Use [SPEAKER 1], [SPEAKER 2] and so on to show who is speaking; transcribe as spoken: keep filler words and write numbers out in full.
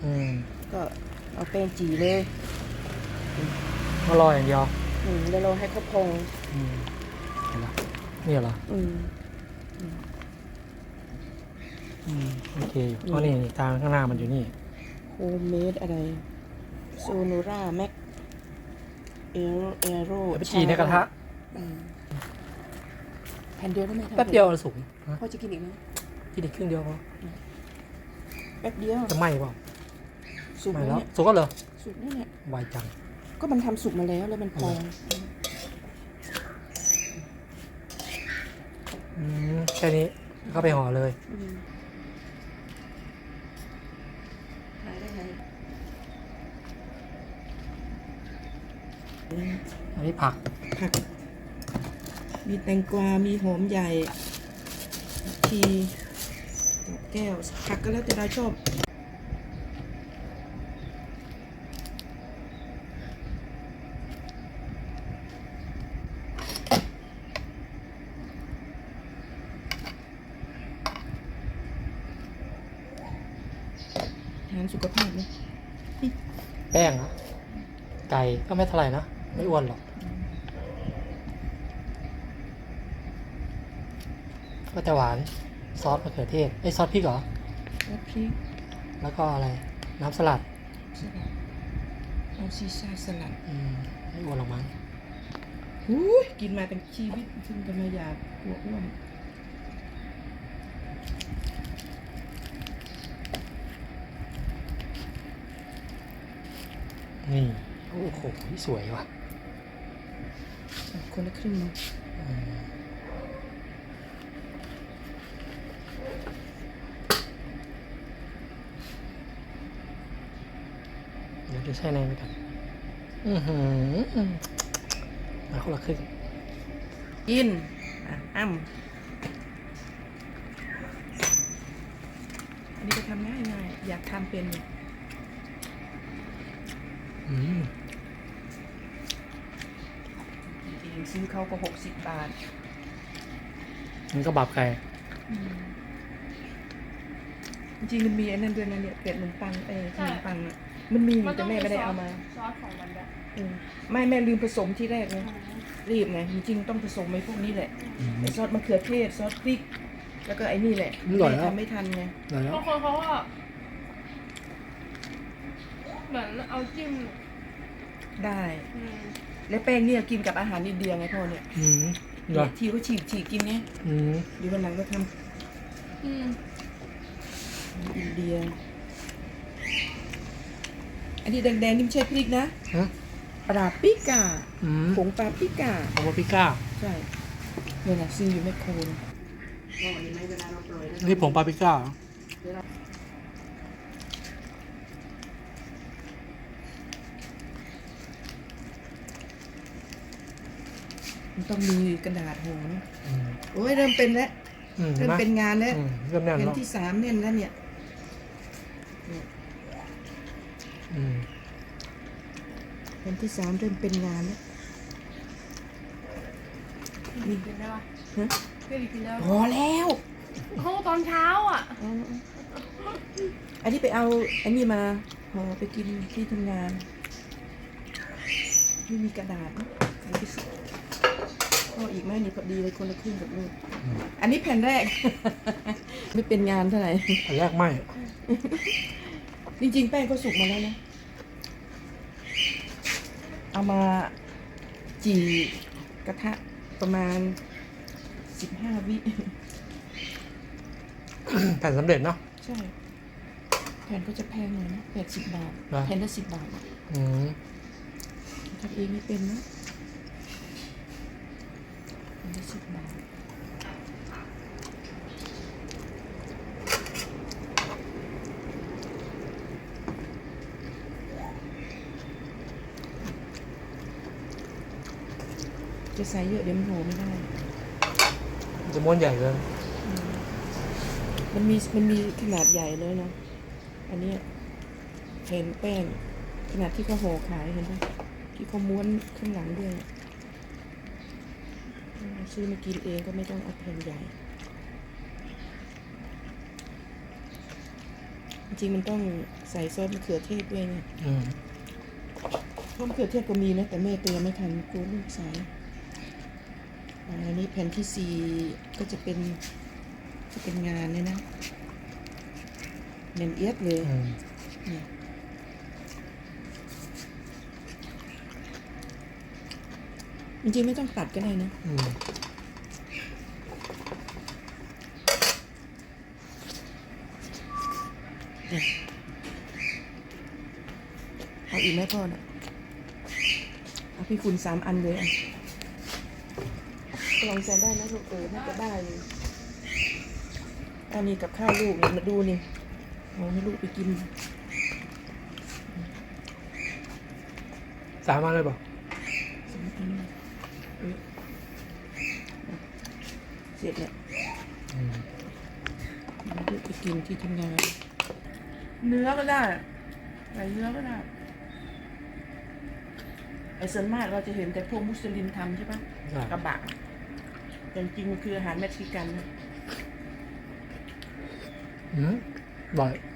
[SPEAKER 1] อืม
[SPEAKER 2] ก็เอาแป้งจีเลย
[SPEAKER 1] ก็รออย่างเดียว
[SPEAKER 2] อืมแล้วเราให้เขาพอง
[SPEAKER 1] อืมเห็นละนี่เหรอ
[SPEAKER 2] อืม
[SPEAKER 1] อืมโอเคอยู่อ๋อนี่นี่ทางข้างหน้ามันอยู่นี่
[SPEAKER 2] โฮมเมดอะไรโซโนราแม็กเอโรเอโร
[SPEAKER 1] เดี๋ยวไปจีในกระทะ
[SPEAKER 2] แผ่นเดียวได้ไหม
[SPEAKER 1] แป๊บเดียวสุก
[SPEAKER 2] พ่อจะกินอีกไหม
[SPEAKER 1] กินอีกครึ่งเดียวพอ
[SPEAKER 2] แป๊บเดียว
[SPEAKER 1] จะไหม้เปล่า
[SPEAKER 2] สุก
[SPEAKER 1] ไหม้
[SPEAKER 2] แล้ว
[SPEAKER 1] แล้ว
[SPEAKER 2] เนี่ย
[SPEAKER 1] สุกก็เหรอ
[SPEAKER 2] สุกแล้วเนี่ย
[SPEAKER 1] ไวจัง
[SPEAKER 2] ก็มันทำสุกมาแล้วแล้วมันพอง
[SPEAKER 1] อืมแค่นี้ก็ไปห่อเลย
[SPEAKER 2] อืมขายได้ไง
[SPEAKER 1] อันนี้ผัก
[SPEAKER 2] ผัก มีแตงกวา มีหอมใหญ่ทีดอกแก้ว ผักก็แล้วแต่เราชอบ อาหารสุขภาพนะ
[SPEAKER 1] แป้งนะไก่ก็ไม่เท่าไหร่นะ ไม่อ้วนหรอก ก็จะหวาน ซอสมะเขือเทศไอ้ยซอสพริกเหรอ
[SPEAKER 2] แล้วพริก
[SPEAKER 1] แล้วก็อะไร น้ำสลัด
[SPEAKER 2] สลัดเอาซีซ่าสลัด
[SPEAKER 1] อืมไม่อ้วนหรอกมั้ง
[SPEAKER 2] หูยกินมาเป็นชีวิตซึ่งจะมาอยากกลัวอ้วน
[SPEAKER 1] นี่ โอ้โห สวยว่ะ
[SPEAKER 2] อ่ะคนละครึ่งนะ
[SPEAKER 1] อืมเดี๋ยวจะใช้ในไปกันอือหือมาคนละครึ่ง
[SPEAKER 2] กิน อ่ะ อ้ำอันนี้ก็ทำง่ายง่ายๆอยากทำเป็นอยู่
[SPEAKER 1] อืม
[SPEAKER 2] จริงๆซื้อเขาก็หกสิบบาท
[SPEAKER 1] มันก็บาปไก่
[SPEAKER 2] จริงๆมันมีไอ้นั่นด้วยนะเนี่ยเป็ดขนมปังเอ้ยขนมปังอ่ะมันมีอยู่แต่แม่ไม่ได้เอามา
[SPEAKER 3] ซอสของมันด้วย
[SPEAKER 2] เออไม่แม่ลืมผสมที่แรกไงรีบไงจริงๆต้องผสมไอ้พวกนี้แหละ
[SPEAKER 1] อืม
[SPEAKER 2] ไอ้ซอสมะเขือเทศซอสพริก แล้วก็ไอ้นี่แหละ
[SPEAKER 1] อร่อยแล้ว
[SPEAKER 2] ทำไม่ทันไง
[SPEAKER 1] ได้แล้ว
[SPEAKER 3] บางคนเขาก็เหมือนเอาจิ้ม
[SPEAKER 2] ได้
[SPEAKER 3] อืม
[SPEAKER 2] แล้วแป้งเนี่ยกินกับอาหารอินเดียไงพ่อเนี่ย
[SPEAKER 1] อืมเหร
[SPEAKER 2] เนี่
[SPEAKER 1] อย
[SPEAKER 2] ที่เขาฉีกฉีกกินไง
[SPEAKER 1] อืม
[SPEAKER 2] เดี๋ยววันหลังก็ท
[SPEAKER 3] อืม
[SPEAKER 2] ำอินเดีย อันนี้แดงๆนี่ไม่ใช่พริกนะ
[SPEAKER 1] ฮะ
[SPEAKER 2] ปลาปิก้า
[SPEAKER 1] อืม
[SPEAKER 2] ผงปลาปิก้า
[SPEAKER 1] เอามาพิก้า
[SPEAKER 2] ใช่เนี่ยนะซื้ออยู่แมคโครนอ๋อเห็นไหมเวลาเราปล่อยแล้ว
[SPEAKER 1] นี่ผงปาปริก้าเหรอ
[SPEAKER 2] มันต้องมีกระดาษห่อนะ
[SPEAKER 1] อืม
[SPEAKER 2] โอ้ยเริ่มเป็นแล้ว
[SPEAKER 1] อืม
[SPEAKER 2] เริ่ม
[SPEAKER 1] ห็
[SPEAKER 2] เป็น
[SPEAKER 1] ไหม
[SPEAKER 2] งานแล้ว
[SPEAKER 1] อืมเริ่มแน่น
[SPEAKER 2] แผ่น
[SPEAKER 1] แล้ว
[SPEAKER 2] ที่สามแน่นแล้วเนี่ยเนี่ย
[SPEAKER 1] อืม
[SPEAKER 2] แผ่นที่สามเริ่มเป็นงานแล้ว
[SPEAKER 3] นี่กินได้ปะ
[SPEAKER 2] ฮะ
[SPEAKER 3] เพื่อนกินได้
[SPEAKER 2] พอแล้ว
[SPEAKER 3] โอ้ตอนเช้าอ่ะ
[SPEAKER 2] เอาอันนี้ไปเอาอันนี้มาห่อไปกินที่ทำงานไม่มีกระดาษนะใส่ไปสิพออีกไหมนี่พอดีเลยคนละครึ่งกับลูก
[SPEAKER 1] อืม
[SPEAKER 2] อันนี้แผ่นแรก ไม่เป็นงานเท่าไหร่
[SPEAKER 1] อันแรกไม่
[SPEAKER 2] จริงๆแป้งก็สุกมาแล้วนะ เอามาจี่กระทะประมาณสิบห้าวิ
[SPEAKER 1] แผ่นสำเร็จเนาะ
[SPEAKER 2] ใช่ แผ่นก็จะแพงหน่อยนะแปดสิบบาท
[SPEAKER 1] นะ
[SPEAKER 2] แผ่นละสิบบาท
[SPEAKER 1] อืม
[SPEAKER 2] ทำเองไม่เป็นนะแผ่นละสิบบาท จะใส่เยอะเดี๋ยวมันโหไม่ได้
[SPEAKER 1] จะม้วนใหญ่เลย
[SPEAKER 2] มันมีมันมีขนาดใหญ่เลยเนาะ อันเนี้ยเห็นแป้งขนาดที่เขาห่อขายเห็นไหมที่เขาม้วนข้างหลังด้วยซื้อมากินเองก็ไม่ต้องเอาแผ่นใหญ่ จริงๆมันต้องใส่ซอสมะเขือเทศด้วยเนี่ย
[SPEAKER 1] อืม
[SPEAKER 2] ซอสมะเขือเทศก็มีนะแต่แม่เตรียมไม่ทันกลัวลูกใส่อ่าอันนี้แผ่นที่สี่ก็จะเป็นจะเป็นงานเนี่ยนะเนียนเอียดเลย
[SPEAKER 1] อืม
[SPEAKER 2] เนี่ยจริงๆไม่ต้องตัดก็ได้นะ
[SPEAKER 1] อืม
[SPEAKER 2] เนี่ยเอาอีกไหมพ่อน่ะเอาพี่คุณสามอันเลยอ่ะลองใส่ได้นะลูกเออน่าจะได้เลยอันนี้กับข้าวลูกเนี่ยมาดูนี่เอาให้ลูกไปกิน
[SPEAKER 1] สามอันเลยบอก
[SPEAKER 2] สามอันเออเสร็จแล้ว
[SPEAKER 1] อืม
[SPEAKER 2] เอาลูกไปกินที่ทำงาน เนื้อก็ได้ไก่เนื้อก็ได้ไอ้ส่วนมากเราจะเห็นแต่พวกมุสลิมทำใช่ปะ
[SPEAKER 1] ใช่
[SPEAKER 2] กระบะแต่จริงๆมันคืออาหารเม็กซิกันนะ
[SPEAKER 1] อืมบ่อย